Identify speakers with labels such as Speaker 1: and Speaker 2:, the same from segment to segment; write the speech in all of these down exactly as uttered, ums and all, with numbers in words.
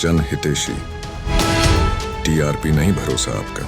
Speaker 1: जन हितेशी। टीआरपी नहीं भरोसा आपका।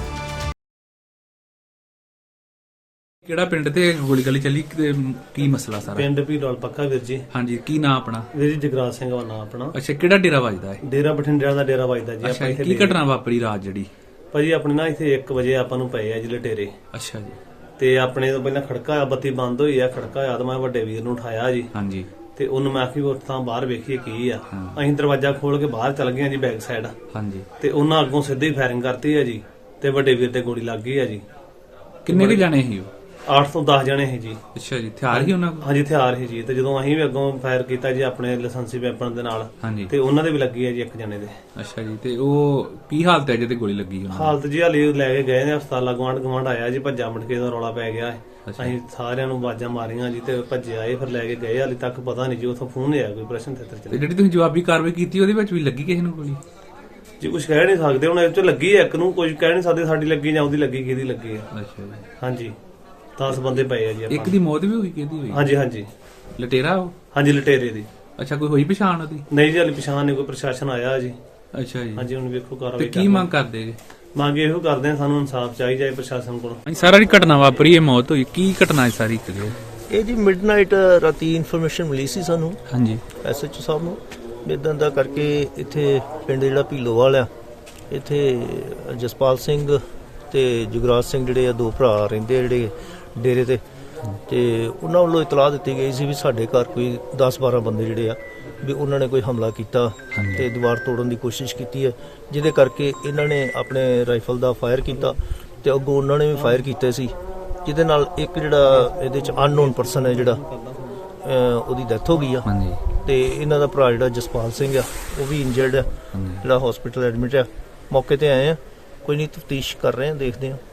Speaker 2: ਕਿਹੜਾ ਪਿੰਡ ਤੇ ਗੋਲੀ ਗਲੀ ਚੱਲੀ ਤੇ ਕੀ ਮਸਲਾ ਸਾਰਾ?
Speaker 3: ਪਿੰਡ ਭੀੜੋਲ ਪੱਕਾ ਵੀਰ ਜੀ।
Speaker 2: ਹਾਂਜੀ, ਕੀ ਨਾਂ ਆਪਣਾ?
Speaker 3: ਵੀਰ ਜੀ ਜਗਰਾਜ ਸਿੰਘ ਦਾ ਨਾਂ ਆਪਣਾ।
Speaker 2: ਅੱਛਾ, ਕਿਹੜਾ ਡੇਰਾ ਵੱਜਦਾ ਹੈ?
Speaker 3: ਡੇਰਾ ਬਠਿੰਡਿਆਂ ਦਾ ਡੇਰਾ ਵੱਜਦਾ ਜੀ।
Speaker 2: ਅੱਛਾ, ਕੀ ਘਟਨਾ ਵਾਪਰੀ ਰਾਤ ਜਿਹੜੀ?
Speaker 3: ਭਾਜੀ ਆਪਣੇ ਨਾ ਇੱਥੇ ਇੱਕ ਵਜੇ ਆਪਾਂ ਨੂੰ ਪਏ ਆ ਜੀ ਲਟੇਰੇ।
Speaker 2: ਅੱਛਾ ਜੀ।
Speaker 3: ਤੇ ਆਪਣੇ ਤੋਂ ਪਹਿਲਾਂ ਖੜਕਾ ਆ, ਬੱਤੀ ਬੰਦ ਹੋਈ ਆ, ਖੜਕਾ ਆ ਤਾਂ ਮੈਂ ਵੱਡੇ ਵੀਰ ਨੂੰ ਉਠਾਇਆ ਜੀ।
Speaker 2: ਹਾਂਜੀ।
Speaker 3: ਤੇ ਉਹਨੂੰ ਮੈਂ ਆਖੀ ਉੱਥਾਂ ਬਾਹਰ ਵੇਖੀਏ ਕੀ ਆ। ਅਸੀਂ ਦਰਵਾਜ਼ਾ ਖੋਲ ਕੇ ਬਾਹਰ ਚੱਲ ਗਏ ਜੀ ਬੈਕ ਸਾਈਡ।
Speaker 2: ਹਾਂਜੀ।
Speaker 3: ਤੇ ਉਹਨਾਂ ਅੱਗੋਂ ਸਿੱਧੀ ਫਾਇਰਿੰਗ ਕਰਤੀ ਆ ਜੀ ਤੇ ਵੱਡੇ ਵੀਰ ਤੇ ਗੋਲੀ ਲੱਗ ਗਈ ਆ ਜੀ।
Speaker 2: ਕਿੰਨੇ ਕੁ ਜਾਣੇ ਸੀ ਉਹ?
Speaker 3: ਅੱਠ ਤੋਂ ਦਸ ਜਣੇ ਸੀ ਜੀ।
Speaker 2: ਅੱਛਾ ਜੀ, ਹਥਿਆਰ ਹੀ ਉਹਨਾਂ ਕੋਲ?
Speaker 3: ਹਾਂਜੀ, ਹਥਿਆਰ ਸੀ ਜੀ। ਤੇ ਜਦੋਂ ਅਸੀਂ ਵੀ ਅੱਗੋਂ ਫਾਇਰ ਕੀਤਾ ਜੀ ਆਪਣੇ ਲਾਇਸੈਂਸੀ ਵੈਪਨ ਦੇ ਨਾਲ,
Speaker 2: ਹਾਂਜੀ,
Speaker 3: ਤੇ ਉਹਨਾਂ ਦੇ ਵੀ ਲੱਗੀ ਆ ਜੀ ਇੱਕ ਜਣੇ ਦੇ।
Speaker 2: ਅੱਛਾ ਜੀ। ਤੇ ਉਹ ਕੀ ਹਾਲਤ ਹੈ ਜਿਹਦੇ ਗੋਲੀ ਲੱਗੀ ਉਹਨਾਂ ਦੀ?
Speaker 3: ਹਾਲਤ ਜੀ ਹਾਲੇ ਲੈ ਕੇ ਗਏ ਨੇ ਹਸਪਤਾਲ। ਗਵਾਂਢ ਗਵਾਂਢ ਆਇਆ ਜੀ, ਭੱਜਾ ਮਟਕੇ ਦਾ ਰੌਲਾ ਪੈ ਗਿਆ। ਅਸੀਂ ਸਾਰਿਆਂ ਨੂੰ ਆਵਾਜ਼ਾਂ ਮਾਰੀਆਂ ਜੀ ਤੇ ਭੱਜੇ ਆਏ, ਫਿਰ ਲੈ ਕੇ ਗਏ। ਹਾਲੇ ਤੱਕ ਪਤਾ ਨਹੀਂ ਜੀ ਉੱਥੋਂ ਫੋਨ ਆਇਆ ਕੋਈ ਪ੍ਰਸ਼ਨ ਥੇਤਰ
Speaker 2: ਤੇ
Speaker 3: ਚਲੇ।
Speaker 2: ਜਿਹੜੀ ਤੁਸੀਂ ਜਵਾਬੀ ਕਾਰਵਾਈ ਕੀਤੀ ਉਹਦੇ ਵਿੱਚ ਵੀ ਲੱਗੀ ਕਿਸੇ ਨੂੰ ਗੋਲੀ?
Speaker 3: ਜੀ ਕੁਝ ਕਹਿ ਨਹੀਂ ਸਕਦੇ ਹੁਣ, ਇਹ ਚ ਲੱਗੀ ਹੈ ਇੱਕ ਨੂੰ, ਕੁਝ ਕਹਿ ਨਹੀਂ ਸਕਦੇ ਸਾਡੀ ਲੱਗੀ ਜਾਂ ਉਹਦੀ ਲੱਗੀ, ਕਿਹਦੀ ਲੱਗੀ ਹੈ।
Speaker 2: ਅੱਛਾ ਜੀ।
Speaker 3: ਹਾਂਜੀ, ਦਸ ਬੰਦੇ ਪਏ ਆ ਜੀ ਆਪਾਂ।
Speaker 2: ਇੱਕ ਦੀ ਮੌਤ ਵੀ ਹੋਈ, ਕਿਹਦੀ ਹੋਈ?
Speaker 3: ਹਾਂਜੀ ਹਾਂਜੀ
Speaker 2: ਲਟੇਰਾ ਉਹ?
Speaker 3: ਹਾਂਜੀ, ਲਟੇਰੇ ਦੀ।
Speaker 2: ਅੱਛਾ, ਕੋਈ ਹੋਈ ਪਛਾਣ ਉਹਦੀ?
Speaker 3: ਨਹੀਂ ਜੀ, ਹਾਲੇ ਪਛਾਣ ਨਹੀਂ, ਕੋਈ ਪ੍ਰਸ਼ਾਸਨ ਆਇਆ ਜੀ।
Speaker 2: ਅੱਛਾ ਜੀ।
Speaker 3: ਹਾਂਜੀ, ਹੁਣ ਵੇਖੋ
Speaker 2: ਤੇ
Speaker 3: ਕਾਰਵਾਈ
Speaker 2: ਕੀ ਮੰਗ ਕਰਦੇ ਜੀ?
Speaker 3: ਮੰਗ ਇਹੋ ਕਰਦੇ ਆ, ਸਾਨੂੰ ਇਨਸਾਫ ਚਾਹੀਦਾ ਹੈ ਪ੍ਰਸ਼ਾਸਨ ਕੋਲ।
Speaker 2: ਹਾਂਜੀ, ਸਾਰਾ ਜਿਹੜੀ ਘਟਨਾ ਵਾਪਰੀ, ਇਹ ਮੌਤ ਹੋਈ, ਕੀ ਘਟਨਾ ਹੈ ਸਾਰੀ? ਕਲੀਅਰ।
Speaker 4: ਇਹ ਜੀ ਮਿਡਨਾਈਟ ਰਾਤੀ ਇਨਫੋਰਮੇਸ਼ਨ ਮਿਲੀ ਸੀ ਸਾਨੂੰ
Speaker 2: ਹਾਂਜੀ
Speaker 4: ਐਸਐਚਓ ਸਾਹਿਬ ਨੂੰ, ਇਦਾਂ ਦਾ ਕਰਕੇ ਇੱਥੇ ਪਿੰਡ ਜਿਹੜਾ ਭੀਲੋਵਾਲ ਆ, ਇੱਥੇ ਜਸਪਾਲ ਸਿੰਘ ਤੇ ਜੁਗਰਾਜ ਸਿੰਘ ਜਿਹੜੇ ਆ ਦੋ ਭਰਾ ਰਹਿੰਦੇ ਆ ਜਿਹੜੇ ਡੇਰੇ ਤੇ, ਤੇ ਉਹਨਾਂ ਵੱਲੋਂ ਇਤਲਾਹ ਦਿੱਤੀ ਗਈ ਸੀ ਵੀ ਸਾਡੇ ਘਰ ਕੋਈ ਦਸ ਬਾਰਾਂ ਬੰਦੇ ਜਿਹੜੇ ਆ ਵੀ ਉਹਨਾਂ ਨੇ ਕੋਈ ਹਮਲਾ ਕੀਤਾ ਤੇ ਦੀਵਾਰ ਤੋੜਨ ਦੀ ਕੋਸ਼ਿਸ਼ ਕੀਤੀ ਹੈ, ਜਿਹਦੇ ਕਰਕੇ ਇਹਨਾਂ ਨੇ ਆਪਣੇ ਰਾਈਫਲ ਦਾ ਫਾਇਰ ਕੀਤਾ ਤੇ ਅੱਗੋਂ ਉਹਨਾਂ ਨੇ ਵੀ ਫਾਇਰ ਕੀਤੇ ਸੀ, ਜਿਹਦੇ ਨਾਲ ਇੱਕ ਜਿਹੜਾ ਇਹਦੇ ਚ ਅਨਨੋਨ ਪਰਸਨ ਹੈ ਜਿਹੜਾ ਉਹਦੀ ਡੈਥ ਹੋ ਗਈ ਆ।
Speaker 2: ਹਾਂਜੀ।
Speaker 4: ਤੇ ਇਹਨਾਂ ਦਾ ਭਰਾ ਜਿਹੜਾ ਜਸਪਾਲ ਸਿੰਘ ਆ ਉਹ ਵੀ ਇੰਜਰਡ ਆ, ਜਿਹੜਾ ਹਸਪੀਟਲ ਐਡਮਿਟ ਆ। ਮੌਕੇ ਤੇ ਆਏ ਆ, ਕੋਈ ਨਹੀਂ ਤਫਤੀਸ਼ ਕਰ ਰਹੇ ਆ, ਦੇਖਦੇ ਆ।